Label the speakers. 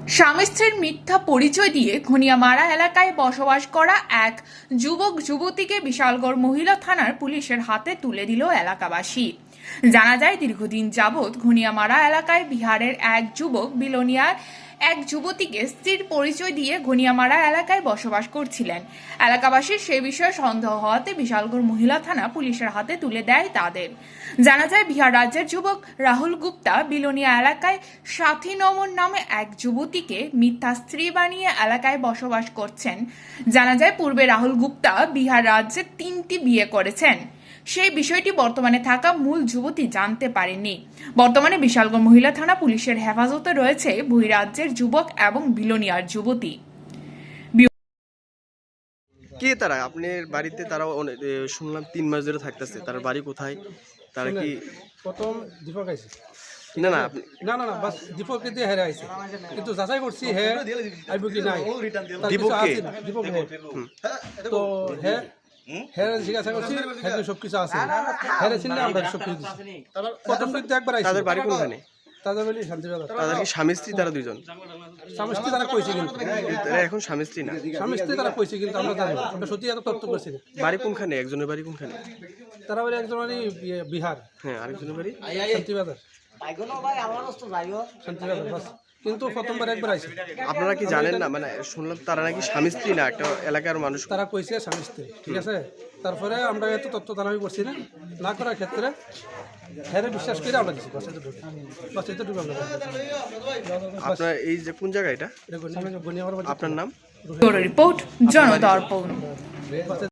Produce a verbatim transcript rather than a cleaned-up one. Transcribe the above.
Speaker 1: স্বামী স্ত্রীর মিথ্যা পরিচয় দিয়ে ঘনিয়ামারা এলাকায় বসবাস করা এক যুবক যুবতীকে বিশালগড় মহিলা থানার পুলিশের হাতে তুলে দিল এলাকাবাসী। জানা যায়, দীর্ঘদিন যাবৎ ঘনিয়ামারা এলাকায় বিহারের এক যুবক বিলোনিয়ার এক যুবতীকে স্ত্রীর পরিচয় দিয়ে ঘনিয়ামারা এলাকায় বসবাস করছিলেন। এলাকাবাসীর সে বিষয়ে সন্দেহ হওয়াতে বিশালগড় মহিলা থানা পুলিশের হাতে তুলে দেয় তাদের। জানা যায়, বিহার রাজ্যের যুবক রাহুল গুপ্তা বিলোনিয়া এলাকায় সাথী নমন নামে এক যুবতীকে মিথ্যা স্ত্রী বানিয়ে এলাকায় বসবাস করছেন। জানা যায়, পূর্বে রাহুল গুপ্তা বিহার রাজ্যে তিনটি বিয়ে করেছেন। সেই বিষয়টি বর্তমানে থাকা মূল যুবতী জানতে পারেনি। বর্তমানে বিশালগড় মহিলা থানা পুলিশের হেফাজতে রয়েছে বহিরাজ্যের যুবক এবং বিলোনিয়ার যুবতী।
Speaker 2: কে তারা? আপনার বাড়িতে তারা অনে- এ, শুনলাম তিন মাস ধরে থাকতেছে। তার বাড়ি কোথায়? তারা কি
Speaker 3: প্রথম দীপক আইছে
Speaker 2: না না আপনি
Speaker 3: না না না বাস দীপককে দিয়ে হেরে আইছে, কিন্তু যাচাই করছি হে আইব কি নাই। তার কিছু
Speaker 2: দীপককে?
Speaker 3: আছে না, দীপক হে তো হে হেরে জিজ্ঞাসা করছি, হেরে সব কিছু আছে, হেরে চিন্তা আমরা সব কিছু দিছি। প্রথম কিন্তু একবার আইছে।
Speaker 2: তাদের বাড়ি কোনখানে?
Speaker 3: তাদের বলি শান্তিবাজার।
Speaker 2: তাদের কি স্বামী স্ত্রী তারা দুইজন?
Speaker 3: স্বামী স্ত্রী তারা কইছে, কিন্তু
Speaker 2: তারা এখন স্বামী স্ত্রী না।
Speaker 3: স্বামী স্ত্রী তারা কইছে, কিন্তু আমরা জানি না। আমরা সত্যি এত তথ্য করছি না।
Speaker 2: বাড়ি কোনখানে? একজনের বাড়ি কোনখানে?
Speaker 3: তারা বলে একজন মানে বিহার
Speaker 2: হ্যাঁ, আরেকজনের বাড়ি
Speaker 3: শান্তিবাজার। শান্তিবাজার বাস, কিন্তু প্রথমবার একবার আইছে।
Speaker 2: আপনারা কি জানেন না? মানে শুনলাম তারা নাকি স্বামী স্ত্রী না, একটা এলাকার মানুষ।
Speaker 3: তারা কইছে স্বামী স্ত্রী, ঠিক আছে। তারপরে আমরা এত তথ্য দানামি করছি না, না করার ক্ষেত্রে হ্যাঁ বিশ্বাস করে আমরা দিচ্ছি। বাস এতটুকু, বাস এতটুকু আমরা
Speaker 2: আপনার এই যে কোন জায়গা এটা?
Speaker 3: এটা গণিয়া আমার বাড়ি।
Speaker 2: আপনার নাম?
Speaker 1: রিপোর্ট, জনদর্পণ।